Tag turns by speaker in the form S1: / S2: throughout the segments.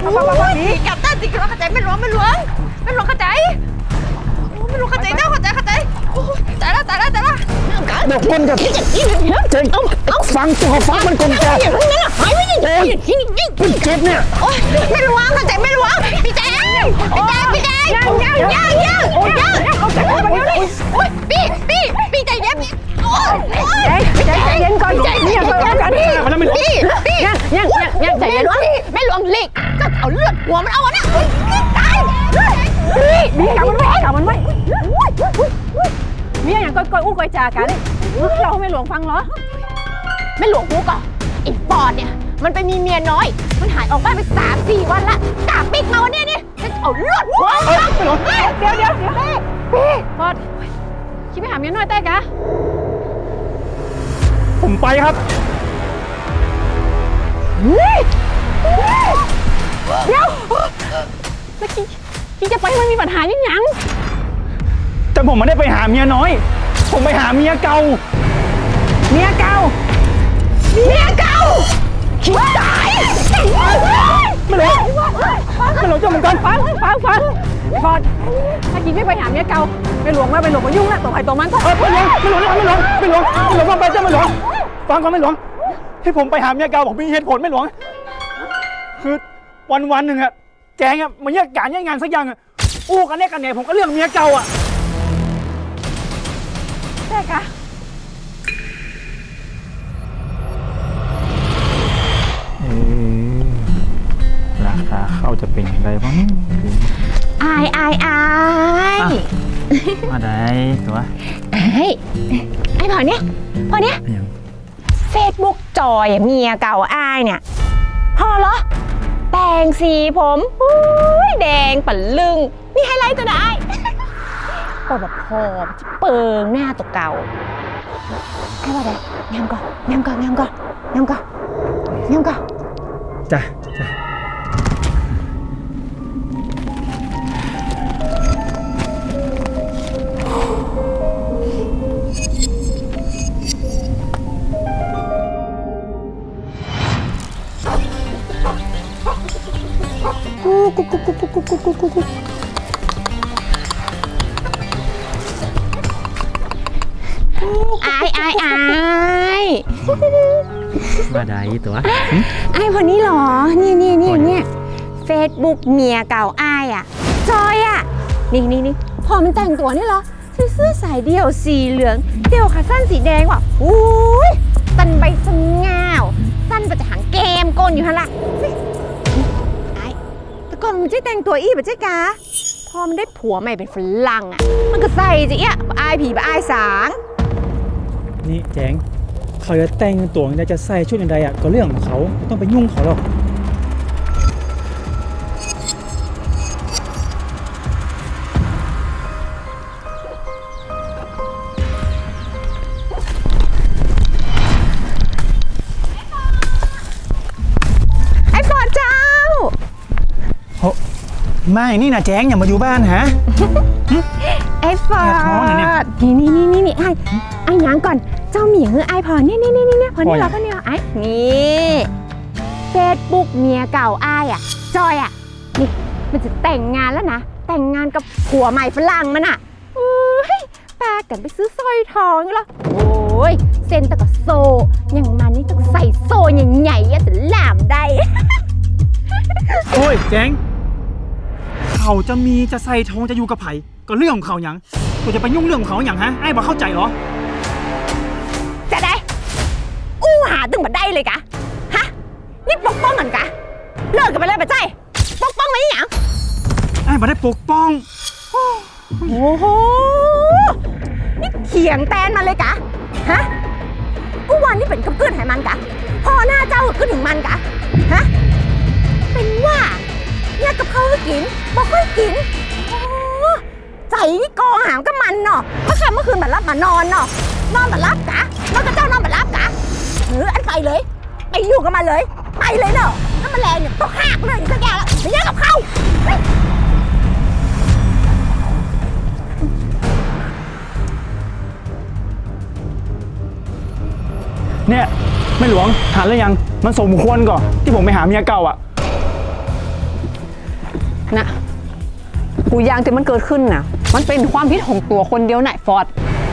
S1: กลับได้สิกลับเข้าใจไม่หลวงเข้าใจไม่หลวงเข้าใจเจ้าเข้าใจตายละ
S2: เดี๋ยวคนกับเจ๊ฟังตัวฟังมันกลมแก
S1: อย่างนั้นน่ะหายไปยังไง
S2: มันเจ็บเนี่ย
S1: โอ๊ยไม่หลวงเข้าใจไม่หลวงพี่แจ๊ยังโอ๊ยพี่ใจเย็นโอ๊ย
S3: ใจเย็นก่อนเนี่ยก่อนกัน
S1: พี่ยังใจเย็นไม่หลวงหลีกก็เอาเลือดหัวมันเอาอะนะตาย
S3: พี่กลับมันไว้มีอย่างก้อยอู้ก้อยจากันเราไม่หลวงฟังเหรอ
S1: ไม่หลวงกูก่อนไอ้ปอดเนี่ยมันไปมีเมียน้อยมันหายออกบ้านไป3-4 วันละกาปิกมาวันนี้นี่จะเอาเลือดหัว
S3: เดี๋ยวปอดคิดไปหาเมียน้อยแต่กะ
S2: ผมไปครับ
S3: เดี๋ยวแล้วกี้จะไปมันมีปัญหายัง
S2: แต่ผมไม่ได้ไปหาเมียน้อย ผมไปหาเมียเก่า
S1: คิดตาย
S2: ไม่รู้เจ้าเหมือนกัน
S3: ฟังฟอดถ้ากี้ไม่ไปหาเมียเก่าไปหลวงมายุ่งนะตัวใครตัวมันก็
S2: ไม่หลวงฟังไปเจ้าไม่หลวงฟังก่อนไม่หลวงให้ผมไปหาเมียเก่าผมมีเหตุผลไม่หลวงคือวันหนึ่งอะแจงอะมันแยกการแยกงานสักอย่างอะอู้กันแน่กันเนี่ยผมก็เรื่องเมียเก่าอะ
S3: แต่กะ
S2: ราคาเข้าจะเป็นยังไงบ้าง
S1: อาย
S2: มาได้ตัว
S1: ไอ้พอเนี้ยเฟซบุ๊กจอยเมียเก่าอายเนี่ยพอเหรอแต่งสีผมแดงปั่นลึงมีไฮไลท์ตัวได้ก็แบบพอจะเปิงหน้าตัวเก่าให้ว่าได้งามก่อน
S2: จ้ะ
S1: อาย
S2: มาได้ตัว
S1: อายคนนี้เหรอเนี่ยเฟซบุ๊กเมียเก่าอายอ่ะจอยอ่ะนี่พอมันแต่งตัวนี่เหรอเสื้อสายเดี่ยวสีเหลืองเดี่ยวขาสั้นสีแดงว่ะอุ้ยสั้นใบสง่าวสั้นประจะหางเกมโกนอยู่ฮะล่ะไอ้แต่ก่อนมันจะแต่งตัวอี้แบบเจ๊กาพอมันได้ผัวใหม่เป็นฝรั่งอ่ะมันก็ใส่จะเอี้ยอายผีอายสาง
S2: นี่แจงเขาจะแต่งตัวจะใส่ชุดอย่างไรอ่ะก็เรื่องของเขาต้องไปยุ่งเขาหรอก
S1: ไอ้ฟอดเจ้า
S2: ไม่นี่นะแจงอย่ามาอยู่บ้านฮะ
S1: ไอ้ฟอดนี่ไอ้ยังก่อนเจ้าหมีคือไอ้พอนี่พอนี่เราก็เนี่ยไอ้นี่เฟซบุ๊กเมียเก่าไอ้อ่ะจอยอ่ะนี่มันจะแต่งงานแล้วนะแต่งงานกับผัวใหม่ฝรั่งมันอ่ะปากันไปซื้อสร้อยทองนี่หรอโอ้ยเซ็นตะกับโซอย่างมันนี่ต้องใส่โซใหญ่ๆจะหลามได้
S2: โอ้ยแจงเขาจะใส่ทองจะอยู่กับไผ่ก็เรื่องของเขาอย่างตัวจะไปยุ่งเรื่องของเขาอย่างฮะไอ้บ่เข้าใจเหรอ
S1: จะได้อู้หาตึงมาได้เลยกะฮะนี่ปกป้องกันกะเลิกกันไปเลยปะใจปกป้องไว้อย่าง
S2: ไอ้บ่ได้ปกป้อง
S1: โอ้โหนี่เขียงแตนมาเลยกะฮะกูวันนี่เป็นกับเพื่อนให้มันกะพอหน้าเจ้าขึ้นถึงมันกะฮะเป็นว่าเนี่ยกับเขากินบ่ค่อยกินใจนี่กองหามกับมันเนาะเมื่อคืนมันรับมานอนเนาะนอนมารับกะนอนกับเจ้านอนมารับกะอันไปเลยไปอยู่กับมันเลยไปเลยเนาะถ้ามันแรงเนี่ยต้องหักเลยสักอย่างแล้วไม่แย่กับเขา
S2: เนี่ยไม่หลวงหาแล้วยังมันสมควรก่อนที่ผมไปหาเมียเก่าอ่ะ
S3: นะกูยางที่มันเกิดขึ้นน่ะ มันเป็นความผิดของตัวคนเดียวน่ะฟอร์ด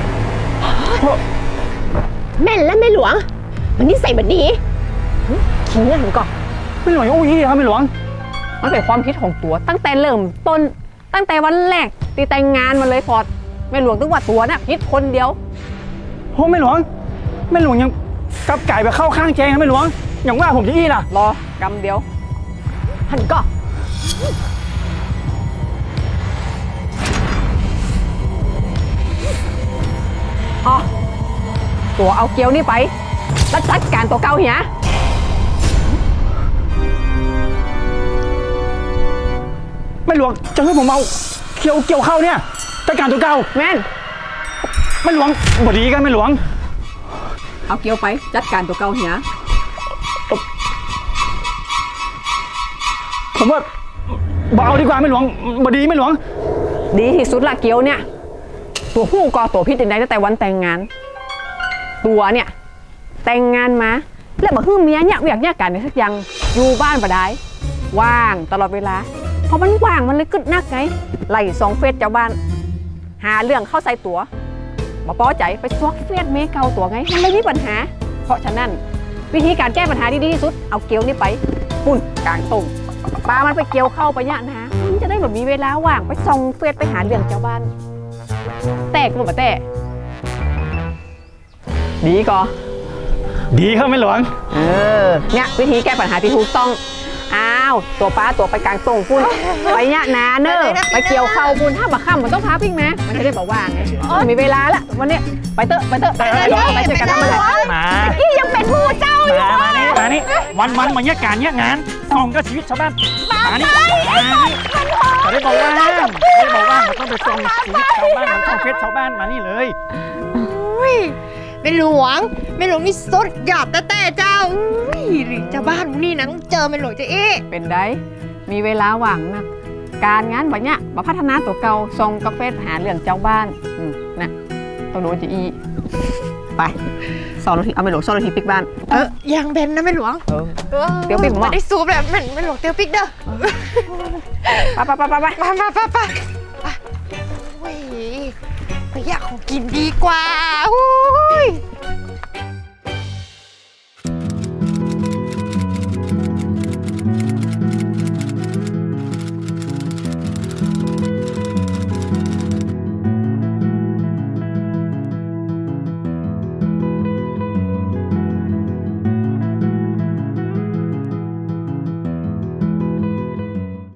S1: แม่นและแม่หลวง มันนิสัยแบบนี้ขิงเงินผมก่อน
S2: ไม่หลวงอู้ยี่ครับไม่หลวง
S3: มันเป็นความคิดของตัวตั้งแต่เริ่มต้นตั้งแต่วันแรกตีแต่งงานมาเลยฟอร์ดไม่หลวงตึงว่าตัวน่ะคิดคนเดียว
S2: โอ้ไม่หลวงไม่หลวงยังกลับไก่ไปเข้าข้างแจงนะไม่หลวงอย่างว่าผมจะอี้ล่ะ
S3: รอกำเดียว
S1: หันก่อน
S3: อ๋อตัวเอาเกี๊ยวนี่ไปแล้วจัดการตัวเก่าเหีย
S2: ไม่หลวงจะให้ผมเอาเกี่ยวเข้าเนี่ยจัดการตัวเก่า
S3: แม่น
S2: ไม่หลวงบดีกันไม่หลวง
S3: เอาเกี๊ยวไปจัดการตัวเก่าเหีย
S2: ผมว่าบ่เอาดีกว่าไม่หลวงบดีไม่หลวง
S3: ดีที่สุดละเกี๊ยวเนี่ยตัวผู้ก่อตัวพิษใดตั้งแต่วันแต่งงาน ตัวเนี่ยแต่งงานมาแล้วมาฮึ่มเมียเนี่ยอยากการในสักอย่างอยู่บ้านบ่ได้ว่างตลอดเวลาเพราะมันว่างมันเลยกึดนักไงไล่สองเฟซเจ้าบ้าน หาเรื่องเข้าใส่ตัวมาป้อใจไปซอกเฟซเมเกาตัวไงมันไม่มีปัญหา เพราะฉะนั้นวิธีการแก้ปัญหาที่ดีที่สุดเอาเกลียวนี่ไปปุ่นกลางตรงปลามันไปเกี่ยวเข้าไปเนี่ยนะมันจะได้แบบมีเวลาว่างไปส่องเฟซไปหาเรื่องเจ้าบ้าน แตกหมดปะแต่ดีก่อ
S2: ดีครับไม่หลวง
S3: เนี่ยวิธีแก้ปัญหาที่ถูกต้องอ้าวตัวป้าตัวไปกลางตรงพุ่นไปเนี่ยนาเนอร์ไปเกี่ยวเข้าพุ่นถ้าบักค่ำมันต้องพาปิ้งไหมมันจะได้บอกว่างไงมีเวลาละวันนี้ไปเตอะไปเช่วยกันทำอะไร
S2: มา
S1: นี่ยังเป็นผู้เจ้าอยู่
S2: มานี่วันมาเนี่ยการเนี่ยงานส่องก็ชีวิตชาวบ้านมานี่จะได้บอกว่ามันต้องไปส่องชีวิตชาวบ้านมันต้องเฟซชาวบ้านมานี่เลย
S4: เป็นหลวงนี่สุดยอดแต่เจ้าอุ้ยเจ้าบ้านนี่นะต้องเจอเป็นหลวงเจ๊เอ๊
S3: เป็นได้มีเวลาว่างนะการงานแบบเนี้ยมาพัฒนาตัวเก่าส่งกาแฟหาเรื่องเจ้าบ้านนะตัวโน้นจะอีไป2 นาทีเอาไปหลวง2 นาทีปิกบ้าน
S4: ยังเป็นนะเป็นหลวง
S3: เดี๋ยวปิ๊กผมว่า
S4: ไม่ได้ซูปแบบเป็นหลวงเตียวปิ๊กเด้อ
S3: ไป
S4: มาโอ้ยไปอยากของกินดีกว่าอุ้ย